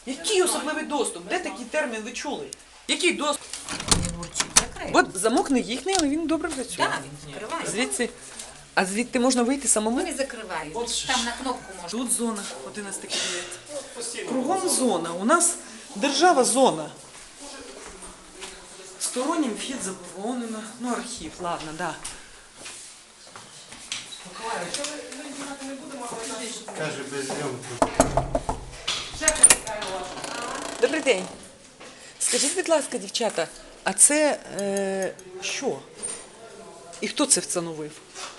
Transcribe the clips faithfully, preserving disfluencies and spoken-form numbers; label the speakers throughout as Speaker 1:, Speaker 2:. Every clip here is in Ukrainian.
Speaker 1: Який особливий доступ? Де такий термін ви чули? Який доступ?
Speaker 2: Він урчить, закрив.
Speaker 1: От замок не їхній, але він добре працює.
Speaker 2: Так, він закриває.
Speaker 1: Звідси, а звідти можна вийти самому?
Speaker 2: Вони закривають. Там на кнопку можна.
Speaker 1: Тут зона, одинадцятий кабінет. Кругом зона. У нас держава зона. Стороннім вхід заборонено. Ну, архів, ладно, да.
Speaker 3: Каже, без зйомки.
Speaker 1: Добрий день. Скажіть, будь ласка, дівчата, а це е, що? І хто це встановив?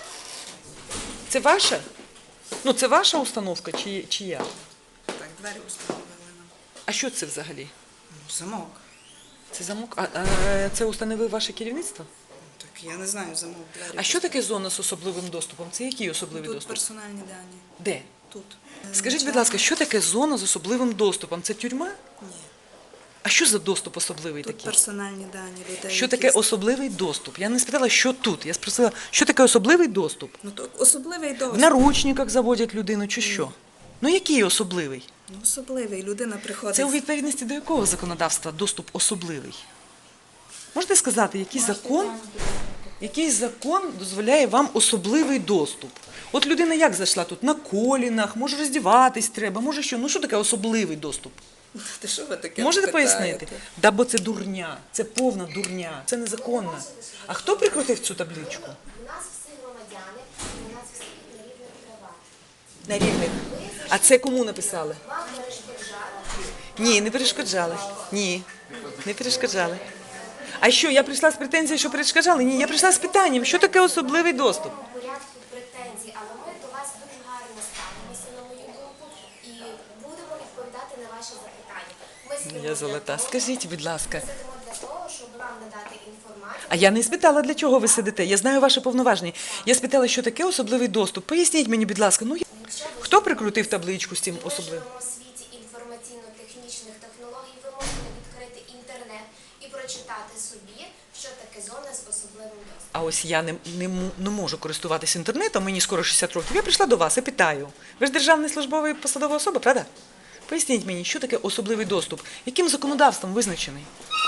Speaker 1: Це ваша? Ну, це ваша установка чи чия?
Speaker 4: Так, двері установили нам.
Speaker 1: А що це взагалі?
Speaker 4: Ну, замок.
Speaker 1: Це замок? А, а це установив ваше керівництво?
Speaker 4: Так, я не знаю, замок двері.
Speaker 1: А що таке зона з особливим доступом? Це який особливий
Speaker 4: Тут
Speaker 1: доступ?
Speaker 4: персональні дані.
Speaker 1: Де?
Speaker 4: Тут.
Speaker 1: Скажіть, будь ласка, що таке зона з особливим доступом? Це тюрма?
Speaker 4: Ні.
Speaker 1: А що за доступ особливий
Speaker 4: Тут
Speaker 1: такий?
Speaker 4: персональні дані людей.
Speaker 1: Що
Speaker 4: які-
Speaker 1: таке особливий доступ? Я не спитала, що тут. Я спросила, що таке особливий доступ?
Speaker 4: Ну, то особливий
Speaker 1: В
Speaker 4: доступ.
Speaker 1: наручниках заводять людину чи що? Ну який особливий?
Speaker 4: Ну, особливий. Людина приходить.
Speaker 1: Це у відповідності до якого законодавства доступ особливий? Можете сказати, який закон, який закон дозволяє вам особливий доступ? От людина як зайшла тут? На колінах, може роздіватись треба, може що? Ну що таке особливий доступ?
Speaker 4: Та що ви таке
Speaker 1: Можете
Speaker 4: питаєте?
Speaker 1: пояснити? Да, бо це дурня, це повна дурня, це незаконно. А хто прикрутив цю табличку?
Speaker 5: У нас всі громадяни, у нас всі на рівних правах.
Speaker 1: На рівних. А це кому написали?
Speaker 5: Вам перешкоджали.
Speaker 1: Ні, не перешкоджали. Ні, не перешкоджали. А що, я прийшла з претензією, що перешкоджали? Ні, я прийшла з питанням, що таке особливий доступ?
Speaker 5: В порядку претензій, але ми до вас дуже гарно ставимося, на мою думку, і будемо відповідати на ваші запитання. Ми сидимо
Speaker 1: Я
Speaker 5: для
Speaker 1: золота.
Speaker 5: того-
Speaker 1: Скажіть, будь ласка.
Speaker 5: Сидимо для того, щоб вам надати інформацію.
Speaker 1: А я не спитала, для чого ви сидите. Я знаю ваші повноваження. Я спитала, що таке особливий доступ. Поясніть мені, будь ласка, ну я-
Speaker 5: Якщо ви
Speaker 1: хто прикрутив табличку з цим
Speaker 5: Ми
Speaker 1: особливим?
Speaker 5: живемо в світі інформаційно-технічних технологій, ви можете відкрити інтернет і прочитати собі, що таке зона з особливим доступом.
Speaker 1: А ось я не, не, м- не можу користуватися інтернетом, мені скоро шістдесят років. Я прийшла до вас і питаю. Ви ж державний службовий посадова особа, правда? Поясніть мені, що таке особливий доступ? Яким законодавством визначений?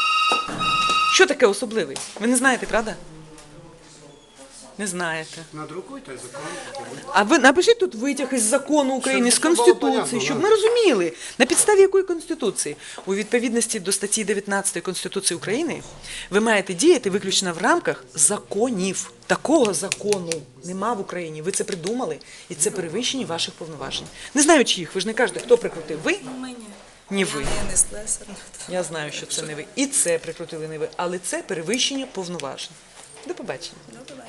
Speaker 1: Що таке особливий? Ви не знаєте, правда? Не знаєте.
Speaker 3: Надрукуйте закон.
Speaker 1: А ви напишіть тут витяг із закону України, з
Speaker 3: Щоб було
Speaker 1: Конституції,
Speaker 3: понятно,
Speaker 1: щоб
Speaker 3: да.
Speaker 1: ми розуміли, на підставі якої Конституції. У відповідності до статті дев'ятнадцятої Конституції України ви маєте діяти виключно в рамках законів. Такого закону нема в Україні. Ви це придумали, і це перевищення ваших повноважень. Не знаю чиїх, ви ж не кажете, хто прикрутив. Ви?
Speaker 4: Мені.
Speaker 1: Ні ви.
Speaker 4: Я не слесар.
Speaker 1: Я знаю, що це не ви. І це прикрутили не ви, але це перевищення повноважень. До побачення.
Speaker 4: Добре.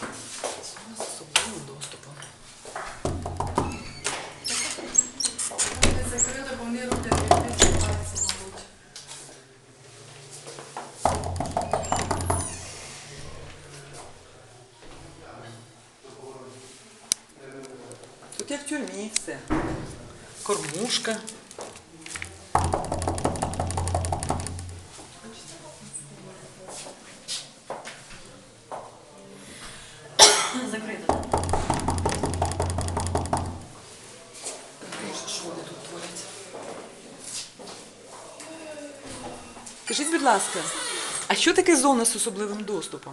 Speaker 1: З особливим доступом.
Speaker 6: Закрито, бо вони роблять відпочиваються, мабуть.
Speaker 1: Тут як в тюрмі все. Кормушка.
Speaker 2: Закрито.
Speaker 1: Що вони тут творять? Скажіть, будь ласка, а що таке зона з особливим доступом?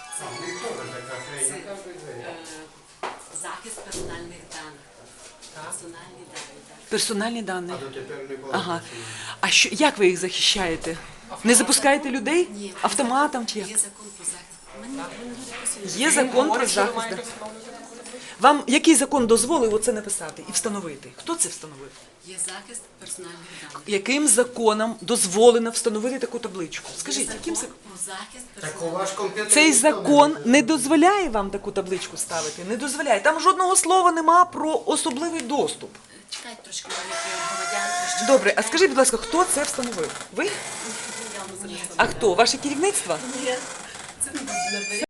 Speaker 7: Захист персональних даних. Персональні дані. так.
Speaker 1: Персональні дані.
Speaker 3: Дотепер не було.
Speaker 1: Ага. А що, як ви їх захищаєте? Не запускаєте людей?
Speaker 7: Ні.
Speaker 1: Автоматом чи як?
Speaker 7: Є закон про захист. Мене мене люди просять.
Speaker 1: Є закон про захист. да. Вам який закон дозволив оце написати і встановити? Хто це встановив?
Speaker 7: Є захист персональних даних.
Speaker 1: Яким законом дозволено встановити таку табличку? Скажіть,
Speaker 7: Є
Speaker 1: яким
Speaker 7: закон
Speaker 1: законом?
Speaker 7: про захист
Speaker 3: Так у
Speaker 7: персональних
Speaker 3: ваш комп'ютер
Speaker 1: Цей
Speaker 3: ніхто не
Speaker 1: закон
Speaker 3: робить.
Speaker 1: не дозволяє вам таку табличку ставити. Не дозволяє. Там жодного слова нема про особливий доступ.
Speaker 7: Чекайте трошки, як громадян. трошки
Speaker 1: Добре, а
Speaker 7: чекайте.
Speaker 1: скажіть, будь ласка, хто це встановив? Ви?
Speaker 7: Я вам зараз-
Speaker 1: А хто? Ваше керівництво?
Speaker 7: Ні. Це не